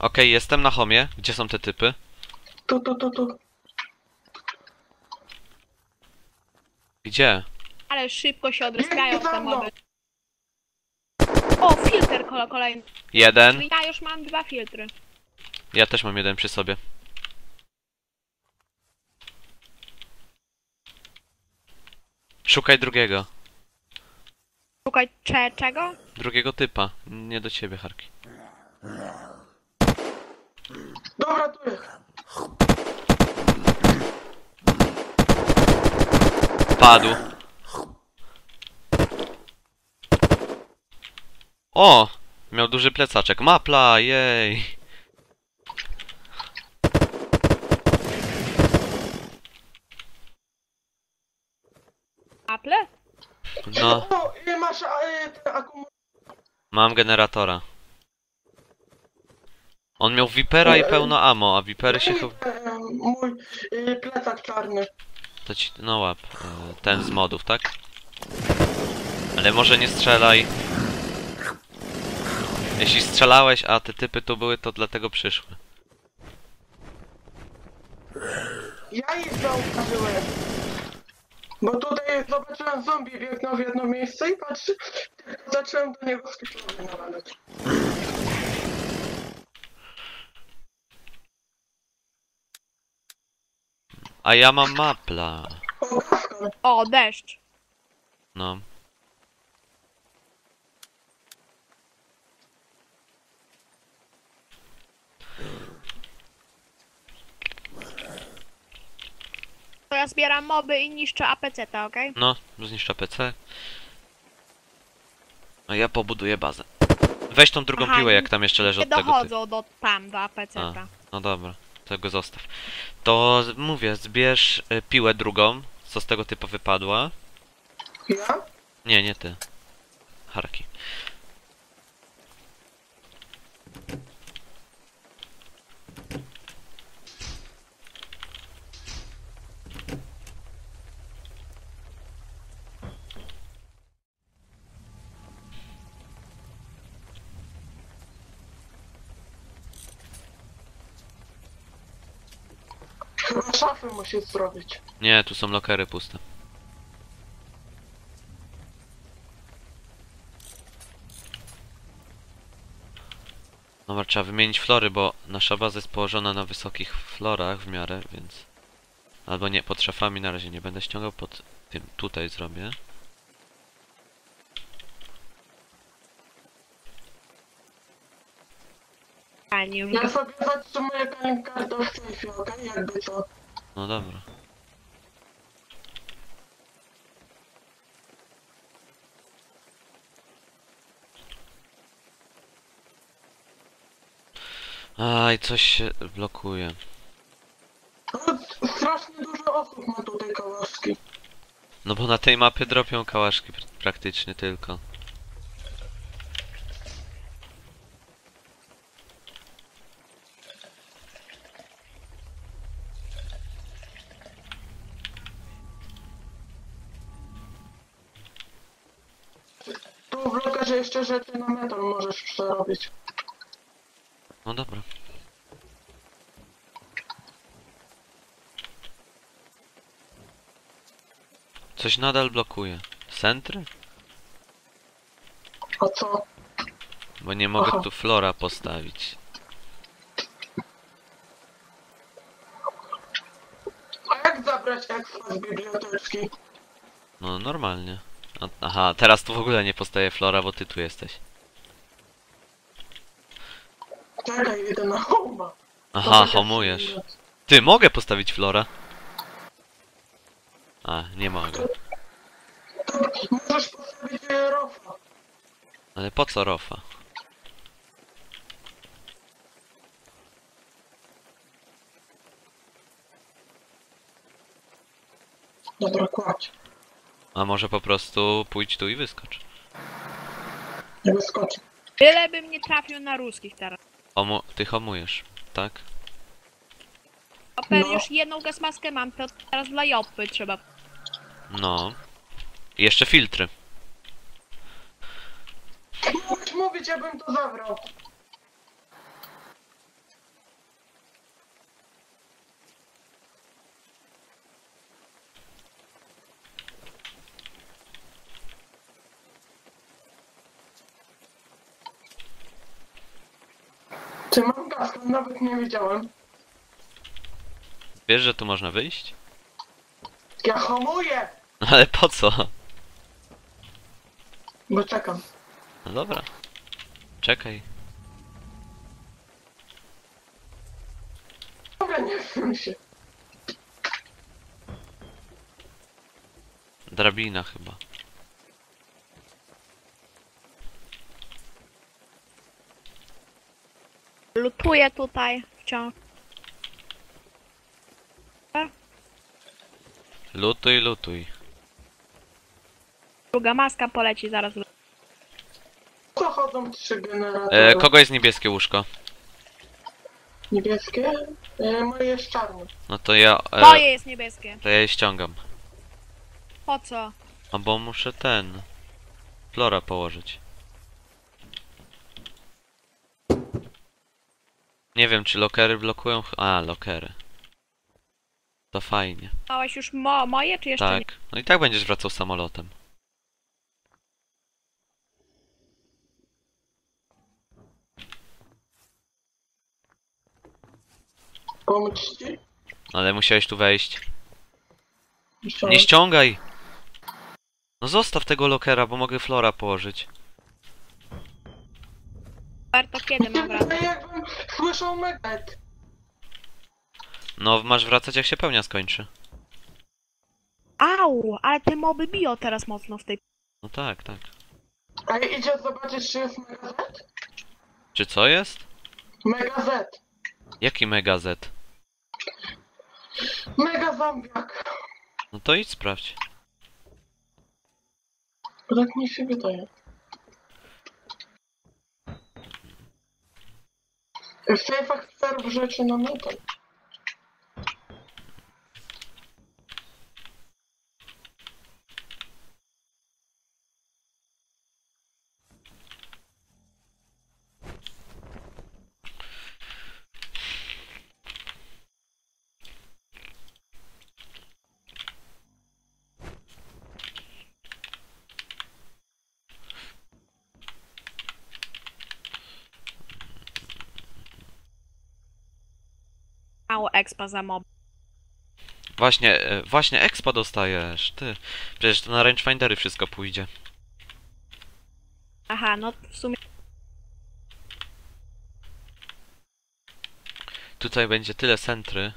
Okej, jestem na homie. Gdzie są te typy? Tu. Gdzie? Ale szybko się odrespiają Biegnie za te mną. moby. O, filtr kolejny. Jeden. Ja już mam 2 filtry. Ja też mam jeden przy sobie. Szukaj drugiego. Szukaj czego? Drugiego typa. Nie do ciebie, Harki. Dobra, tu jest. Padł. O! Miał duży plecaczek. Mapla, jej! Apple? No, O, ile masz ten akumulator? mam generatora. On miał Vipera i pełno ammo, a Vipery się chyba... Mój plecak czarny. To ci... no łap. Ten z modów, tak? Ale może nie strzelaj. Jeśli strzelałeś, a te typy tu były, to dlatego przyszły. Ja ich zauważyłem. Bo tutaj zobaczyłem zombie biegnął w jedno miejsce i patrzy, zacząłem do niego skitrowy nawalać. A ja mam mapla. O, Gafkan. O, deszcz. No. To ja zbieram moby i niszczę APC-ta, okej? No, zniszczę PC. A ja pobuduję bazę. Weź tą drugą Aha, piłę, jak tam jeszcze leży Nie od tego typu. dochodzą do APC-ta. No dobra, tego zostaw. To mówię, zbierz piłę drugą, co z tego typu wypadła. Ja? Nie, nie ty. Harki. Chyba szafy musisz zrobić. Nie, tu są lokery puste. Dobra, trzeba wymienić flory, bo nasza baza jest położona na wysokich florach w miarę, więc... Albo nie, pod szafami na razie nie będę ściągał, pod tym tutaj zrobię. Fajnie, już Ja sobie zatrzymuję kartę w sejfie, okej? Jakby co. No dobra. Aj, coś się blokuje. No, strasznie dużo osób ma tutaj kałaszki. No bo na tej mapie dropią kałaszki praktycznie tylko. Tu w lokarze jeszcze rzeczy na metal możesz przerobić. No dobra. Coś nadal blokuje. Centry? A co? Bo nie mogę Aha. tu flora postawić. A jak zabrać ekstra z biblioteczki? No normalnie. Aha, teraz tu w ogóle nie postawię flora, bo ty tu jesteś. Czekaj, idę na homa. Aha, homujesz. Ty, mogę postawić flora? A, nie mogę. To możesz postawić rofa. Ale po co rofa? Dobra, kładź. A może po prostu pójdź tu i wyskocz. Nie wyskoczy. Tyle bym nie trafił na ruskich teraz. Ty homujesz, tak? A pewnie No. już jedną gasmaskę mam, to teraz dla Joppy trzeba. No. I jeszcze filtry. Mógłbyś mówić, ja bym to zabrał. Ty mam gaz, nawet nie wiedziałem. Wiesz, że tu można wyjść? Ja hamuję! No ale po co? Bo czekam. No dobra. Czekaj. Dobra, nie wiem się. Drabina chyba. Lutuję tutaj wciąż. Lutuj, lutuj. Druga maska poleci zaraz. Co chodzą 3 generatory? Kogo jest niebieskie łóżko? Niebieskie? Moje jest czarne. No to ja... Moje jest niebieskie. to ja je ściągam. Po co? No bo muszę Flora położyć. Nie wiem, czy lokery blokują... A, lokery. To fajnie. Dałeś już moje, czy jeszcze nie? Tak. No i tak będziesz wracał samolotem. Pomóc ci? Ale musiałeś tu wejść. Jeszcze Nie ściągaj! No zostaw tego lokera, bo mogę Flora położyć. To kiedy mam wracać? jakbym słyszał medet. No, masz wracać jak się pełnia skończy. Au, ale te moby biją teraz mocno w tej... No tak, tak. A idzie zobaczyć, czy jest Mega Z? Czy co jest? Mega Z. Jaki Mega Z? Mega zombiak. No to idź sprawdź. Tak mi się wydaje. W sejfach serw rzeczy na metal. Mało expa za mob. Właśnie expa dostajesz, ty. Przecież to na rangefindery wszystko pójdzie. Aha, no w sumie... Tutaj będzie tyle sentry.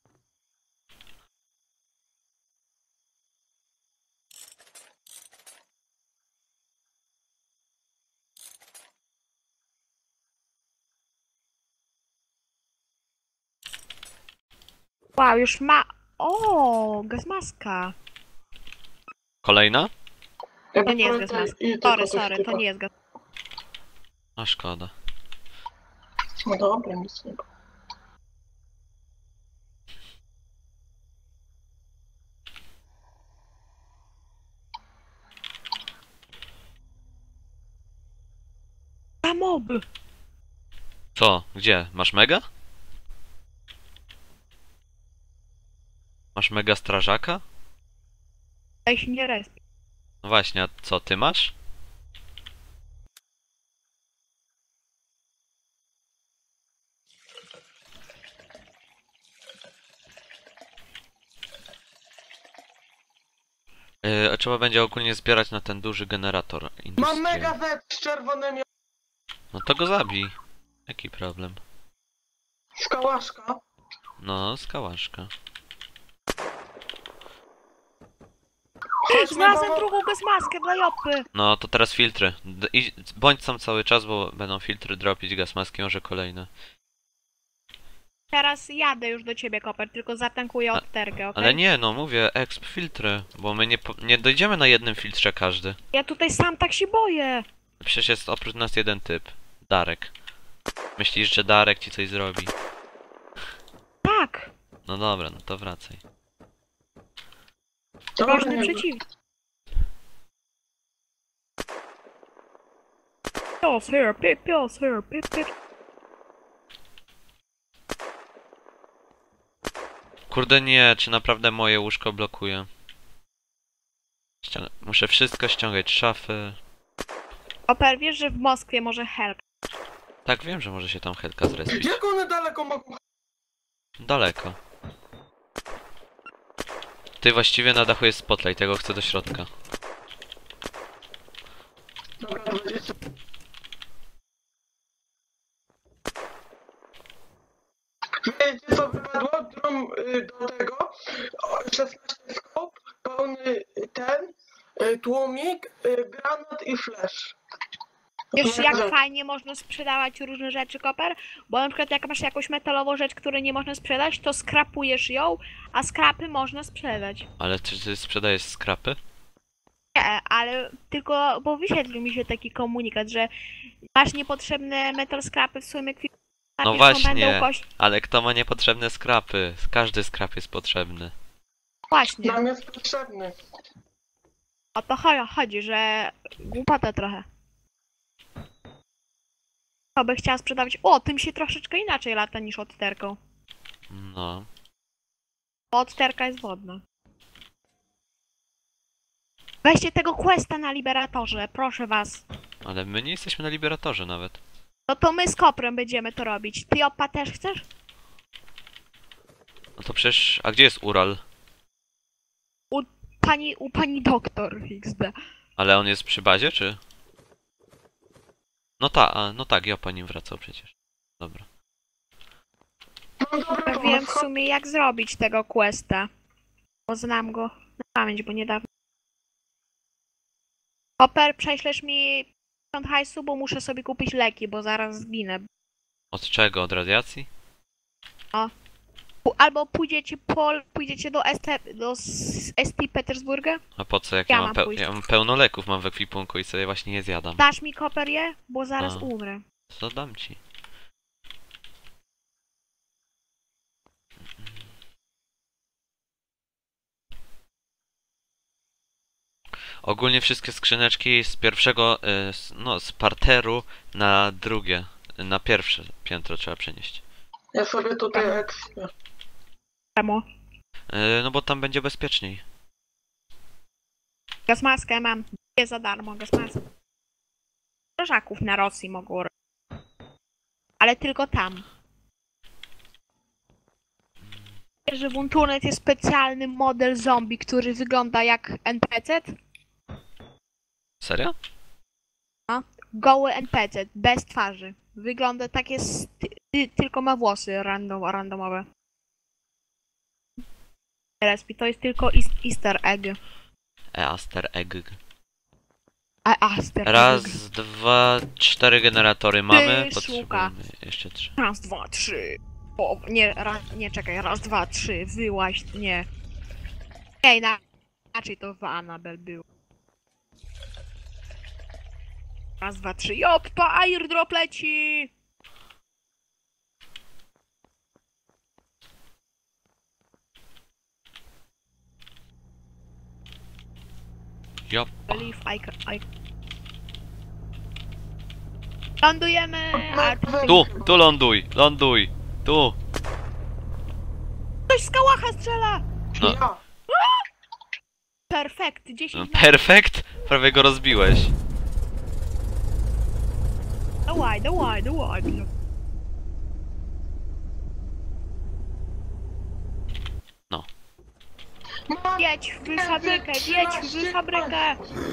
Wow, już ma... O, gazmaska. Kolejna? To nie jest gazmaska. Sorry, to nie jest gaz... A szkoda. No dobra, nic nie. A moby! Co? Gdzie? Masz mega? Masz mega strażaka? Ja się nie respi. No właśnie, a co ty masz? Trzeba będzie ogólnie zbierać na ten duży generator Mam industrial. Mega Z z czerwonymi... No to go zabij. Jaki problem? Skałaszka. No, skałaszka. Znalazłem drugą gazmaskę dla Jopy! No to teraz filtry. Bądź tam cały czas, bo będą filtry dropić, gasmaski, może kolejne. Teraz jadę już do ciebie, Koper, tylko zatankuję odtergę, okej? Ale nie, no mówię, exp filtry, bo my nie dojdziemy na jednym filtrze każdy. Ja tutaj sam tak się boję! Przecież jest oprócz nas jeden typ. Darek. Myślisz, że Darek ci coś zrobi? Tak! No dobra, no to wracaj. Ważny przeciwnik. Pills here, pills here, pills. Kurde nie, czy naprawdę moje łóżko blokuje? Muszę wszystko ściągać, szafy. Koper, wiesz, że w Moskwie może help. Tak, wiem, że może się tam Helka zrespić. Jak one daleko mogą... Daleko. Ty właściwie na dachu jest spotlight, tego chcę do środka. Dobra, 20. Wiecie co wypadło? Do tego 16 skop, pełny ten, tłumik, granat i flash. Wiesz, jak fajnie można sprzedawać różne rzeczy, Koper? Bo na przykład jak masz jakąś metalową rzecz, której nie można sprzedać, to skrapujesz ją, a skrapy można sprzedać. Ale czy ty sprzedajesz skrapy? Nie, ale tylko, bo wyświetlił mi się taki komunikat, że masz niepotrzebne metal skrapy w swoim ekwipunku. No napiszą, właśnie, będą ale kto ma niepotrzebne skrapy? Każdy skrap jest potrzebny. Właśnie, Nam jest potrzebny. o to chodzi, że głupota trochę. To by chciała sprzedawać. O, tym się troszeczkę inaczej lata niż odterką. No. Bo odterka jest wodna. Weźcie tego questa na Liberatorze, proszę was. Ale my nie jesteśmy na Liberatorze nawet. No to my z Koprem będziemy to robić. Ty, Opa, też chcesz? No to przecież... A gdzie jest Ural? U pani doktor XD. Ale on jest przy bazie, czy? No tak, ja po nim wracał przecież. Dobra. Mam dobry Ja wiem pomysł. w sumie jak zrobić tego questa. Bo znam go na pamięć, bo niedawno. Koper, prześlesz mi 50 hajsu, bo muszę sobie kupić leki, bo zaraz zginę. Od czego? Od radiacji? Albo pójdziecie do ST Petersburga? A po co, jak Ja ja mam mam, pójść. ja mam pełno leków mam w ekwipunku i sobie właśnie je zjadam. Dasz mi Koper je? Bo zaraz A. umrę. Co dam ci? Ogólnie wszystkie skrzyneczki z pierwszego, no z parteru na drugie, na pierwsze piętro trzeba przenieść. Ja sobie tutaj ekspię. Czemu? No bo tam będzie bezpieczniej. Gasmaskę mam. Jest za darmo, gasmaskę. Strażaków na Rosji mogło robić. Ale tylko tam. Wiesz, że w Untunet jest specjalny model zombie, który wygląda jak NPC? Serio? Goły NPC, bez twarzy. Wygląda tak jest, tylko ma włosy randomowe. Respi, to jest tylko easter egg. Easter egg. Easter Raz, egg. dwa, 4 generatory mamy. Ty, Potrzebujemy jeszcze 3. Raz, dwa, trzy. O, nie, czekaj, raz, dwa, trzy, wyłaź, nie. Ej, inaczej to w Annabelle było. Raz, dwa, trzy, joppa, airdrop leci! Jop. Believe I... Lądujemy! A Tu ląduj, ląduj. Tu. ktoś z kałacha strzela! No. Ja. Perfekt, 10 na... Perfekt. Prawie go rozbiłeś. Dawaj. Jedź w fabrykę, jedź w fabrykę!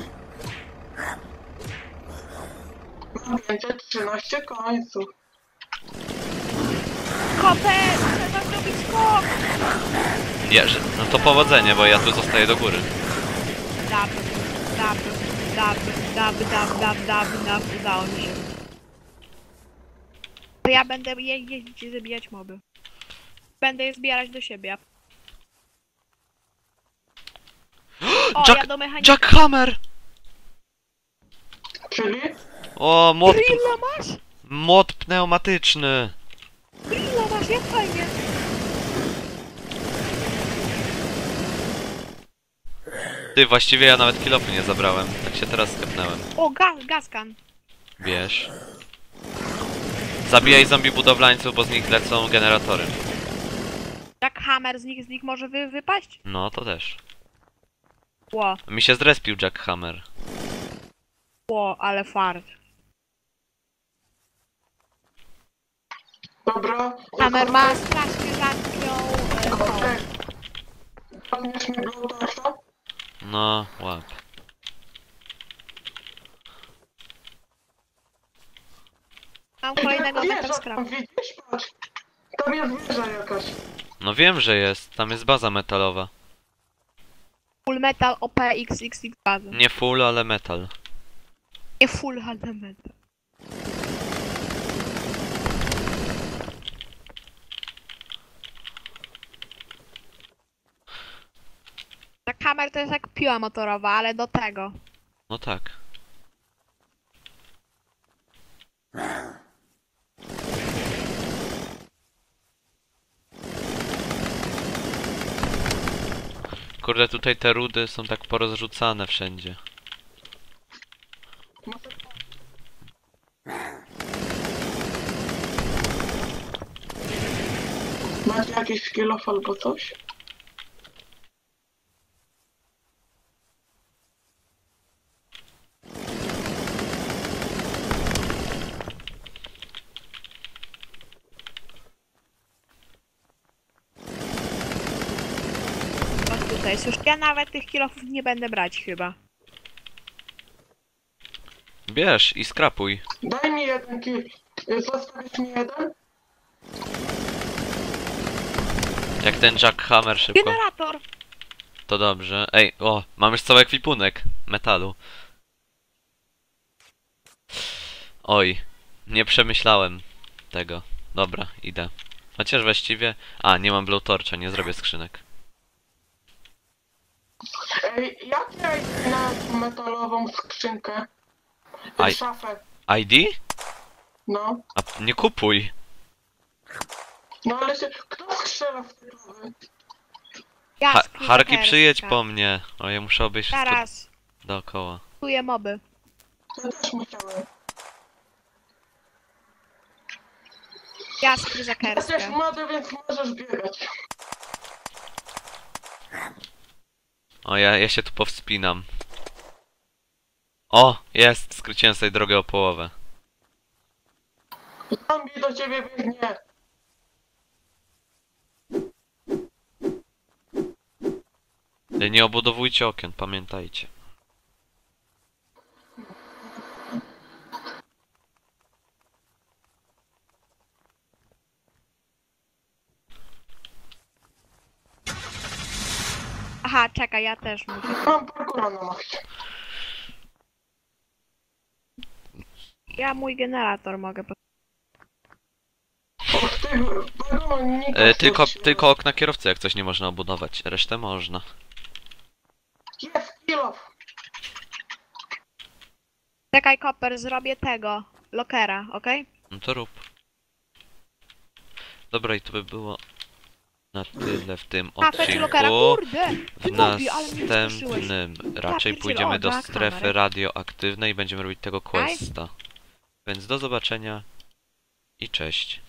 Mam 513 końców. Koper, trzeba zrobić skok! Nie, no to powodzenie, bo ja tu zostaję do góry. Udało mi się. To ja będę jeździć i zabijać moby. Będę je zbierać do siebie. O, ja do mechanika. Jackhammer! Czyli? O, Grilla masz? młot pneumatyczny. Grilla masz, jak fajnie. Ty, właściwie ja nawet kilofy nie zabrałem. Tak się teraz skepnąłem. O, gaskan. Bierz. Zabijaj zombie budowlańców, bo z nich lecą generatory. Jackhammer z nich może wypaść? No, to też. Ło, Mi się zrespił Jackhammer. ale fart. Dobra. Kamer ma strasznie rzadką tą. Okej. Podniesz mi blutacza? No, łap. Mam kolejnego Wieża metal scrap. tam widzisz? Patrz. Tam jest wieża jakaś. No wiem, że jest. Tam jest baza metalowa. Full metal OP XXX bazy. Nie full, ale metal. Nie full, ale metal. Ta kamer to jest jak piła motorowa, ale do tego. No tak. Kurde, tutaj te rudy są tak porozrzucane wszędzie. Macie jakiś skill-off albo coś? O, tutaj jest już. Ja nawet tych kilofów nie będę brać chyba. Bierz i skrapuj. Daj mi jeden kill. Zostawisz mi jeden? Jak ten jackhammer szybko. Generator! To dobrze. Ej, o, mam już cały ekwipunek metalu. Oj, nie przemyślałem tego. Dobra, idę. Chociaż właściwie... A, nie mam blowtorcha, nie zrobię skrzynek. Ej, jak ja idę na tą metalową skrzynkę? Aj. Szafę. ID? No. A nie kupuj. No ale się... Kto strzela w te głowy? Ja Harki, przyjedź po mnie. O, ja muszę obejść wszystko Zaraz. dookoła. Kupuję moby. Ja też musiałem. Ja Jesteś skryzakerskę. młody, więc możesz biegać. O, ja się tu powspinam. O, jest! Skróciłem sobie drogę o połowę. Zombie do ciebie biegnie. Nie obudowujcie okien, pamiętajcie. Aha, czekaj, ja też muszę. Mam parkura na maksie. Ja mój generator mogę. Od tego wagonu nikt Tylko okna kierowcy jak coś nie można obudować, resztę można. Jest kilof. Czekaj, Koper, zrobię tego. Lokera, okej? No to rób. Dobra, i to by było na tyle w tym A, feci lokera, odcinku. kurde! W Ty Bobby, ale mnie skuszyłeś. następnym raczej pierdzielę, pójdziemy o, do Jack strefy Hammer. radioaktywnej i będziemy robić tego questa. Więc do zobaczenia i cześć.